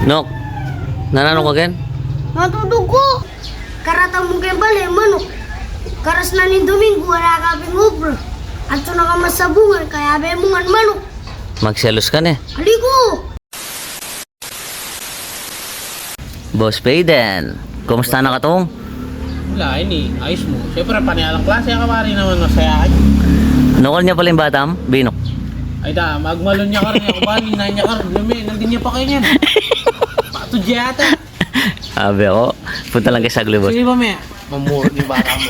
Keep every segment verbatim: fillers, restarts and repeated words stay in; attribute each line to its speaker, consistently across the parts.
Speaker 1: Nok, nanano ka gen?
Speaker 2: Matutog ko. Karatang mo kayo bali, manok. Karas na ni Domingo, wala ka pingubro. At so nakamasabungan, kaya be mo nga manok.
Speaker 1: Magselos ka ne.
Speaker 2: Aligo!
Speaker 1: Boss Payden, kumusta na ka tong?
Speaker 3: Wala, ini. Ayos mo. Siyempre, panialang klase ka pa rin naman masayaan.
Speaker 1: Nukol niya pala yung batam, Binok.
Speaker 3: Ay da, magmalon niya ka rin ako. Bali, na niya ka rin. Lumi, nandun niya pa kayo niyan. Pato diyata.
Speaker 1: Sabi ako, punta lang kay Sagli, boss.
Speaker 3: Sige ba, me? Mamuro ni bata mo.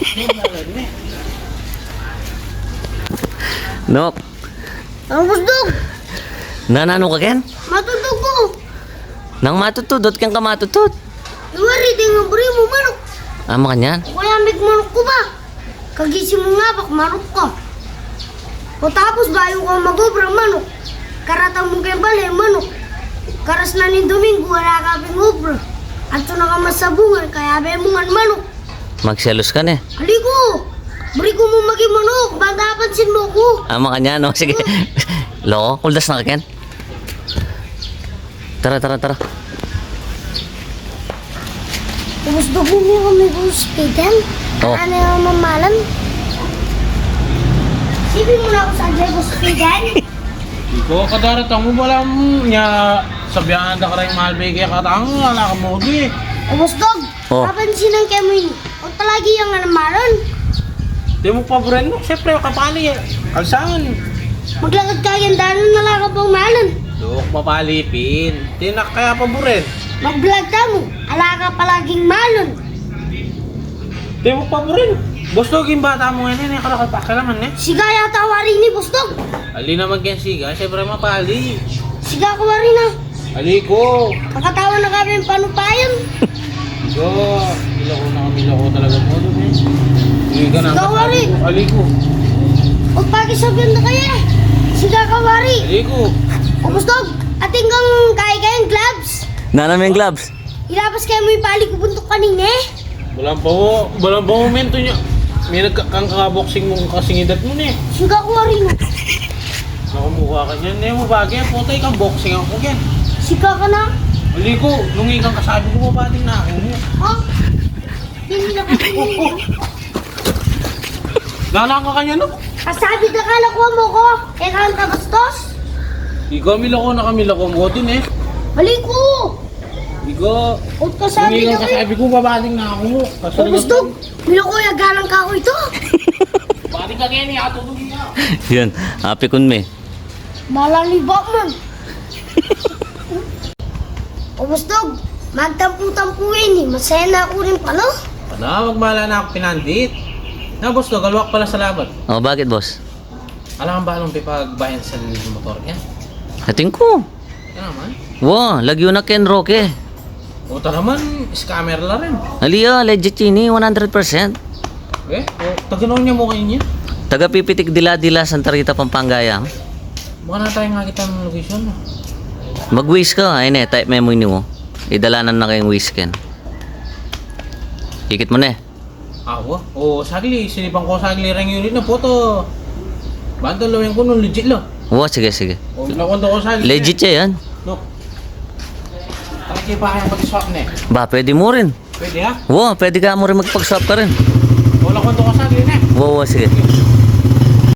Speaker 1: Nok,
Speaker 2: Ang busdog!
Speaker 1: nanano ka gen?
Speaker 2: Matutog ko!
Speaker 1: Nang matutudot kang ka matutut.
Speaker 2: Iwari, di nga bari mo manok.
Speaker 1: Ama ka niyan?
Speaker 2: Kaya may manok ko ba? Kagising mo nga bak, manok ka. O tapos bayo ka mag-obrang manok. Karatang mo kayo bali, manok. Karas na ni Domingo, wala ka pingubro. At so nakamasabungan, kaya be mo nga manok.
Speaker 1: Magselos ka ne.
Speaker 2: Aligo! Bari ko mo maging manok, baka pansin mo ko.
Speaker 1: Ama ka niyan, no? Sige. Loko, kuldas na ka ken. Tara, tara, tara.
Speaker 2: Gusto mo mo kami kung speeden?
Speaker 1: Oh.
Speaker 2: Ano yung mamalan? Sipin mo na ako sa dyan kung speeden?
Speaker 3: Ikaw, kadaratang mo wala mo niya. Sabihan na ka rin mahal bigay ka tang. Wala ka mo di.
Speaker 2: Ubus dog,
Speaker 1: Oh.
Speaker 2: papansin ang kemo yun. O talagi yung anamalan.
Speaker 3: Di mo pa bren mo. Siyempre, kapali eh. Kalsangan.
Speaker 2: Maglakad ka yan, dahil nala ka pang malan.
Speaker 3: Duk, mapalipin. Di na kaya pa buren.
Speaker 2: Mag-vlog ka mo, ala ka palaging malon.
Speaker 3: Di mo pa buren. Gusto yung bata mo yan eh. Kalakal pa kailangan eh.
Speaker 2: Siga yata wari ni Busdog.
Speaker 3: Ali naman kaya siga. Siyempre, mapali.
Speaker 2: Siga ko wari na.
Speaker 3: Ali ko.
Speaker 2: Kakatawa na kami yung panupayan.
Speaker 3: Go. Mila ko na kamila ko talaga mo doon eh. Hindi ka na.
Speaker 2: Siga wari.
Speaker 3: Ali ko.
Speaker 2: Huwag pakisabihan na kaya. Siga ka wari.
Speaker 3: Ali ko.
Speaker 2: O Busdog, ating kang kaya kayang gloves.
Speaker 1: Nanano yung gloves?
Speaker 2: Ilabas kayo mo yung pali ko buntok kanina eh.
Speaker 3: Walang pa mo. Walang pa momento niya. May nagkakaboxing mong kasingidat mo na eh.
Speaker 2: Siga ko wari na.
Speaker 3: Nakamukha ka niyan. Hindi mo bagay. Putay kang boxing ako yan.
Speaker 2: Siga ka na.
Speaker 3: Ali ko. Nung ikang kasabi ko mabating na ako mo.
Speaker 2: Ha? Hindi na kasi
Speaker 3: Lalang ka kanya no?
Speaker 2: Kasabi na kala ko mo ko. Eh kang kabastos.
Speaker 3: Ikaw milako na kamilako mo din eh.
Speaker 2: Bali ko.
Speaker 3: Ikaw.
Speaker 2: Huwag kasabi
Speaker 3: Nung
Speaker 2: na
Speaker 3: ikang
Speaker 2: kayo.
Speaker 3: kasabi ko mabating na ako mo.
Speaker 2: O Busdog, nila ko yung galang ka ko ito.
Speaker 3: Bating ka kaya niya. Tutugin ka.
Speaker 1: Yun, happy kun me.
Speaker 2: Malaliba man. O Busdog, magtampu-tampuin eh. Masaya na ako rin pala.
Speaker 3: Ano? Magmala na ako pinandit. Na boss to, galwak pala sa laban.
Speaker 1: Oh, bakit, boss?
Speaker 3: Alam ba anong pipagbayan sa motor niya?
Speaker 1: Ating ko.
Speaker 3: Yan naman.
Speaker 1: Wow, lagyo na Ken Roque.
Speaker 3: Uta naman, scammer la rin.
Speaker 1: Aliya, legit yun eh, one hundred percent.
Speaker 3: Eh, o, taganaw niya mo kayo niya.
Speaker 1: Taga Pipitik Dila-Dila, Santa Rita, Pampanga.
Speaker 3: Baka na tayo nga kita ng location.
Speaker 1: Mag-wish ka, ayun eh, type memo niyo mo. Idalanan na kayong wish Ken. Ikit mo na eh.
Speaker 3: Awa? O, sagli. Sinipang ko sagli rin yun na photo. Bandalo yung kuno, legit lo.
Speaker 1: Wow, sige, sige.
Speaker 3: O, nakwento ko sagli.
Speaker 1: Legit siya yan.
Speaker 3: No. Taki pa kayang pag-swap na eh.
Speaker 1: Ba, pwede mo rin.
Speaker 3: Pwede ha?
Speaker 1: Wow, pwede ka mo rin magpag-swap ka rin.
Speaker 3: O, nakwento ko sagli na eh.
Speaker 1: Wow, wow, sige.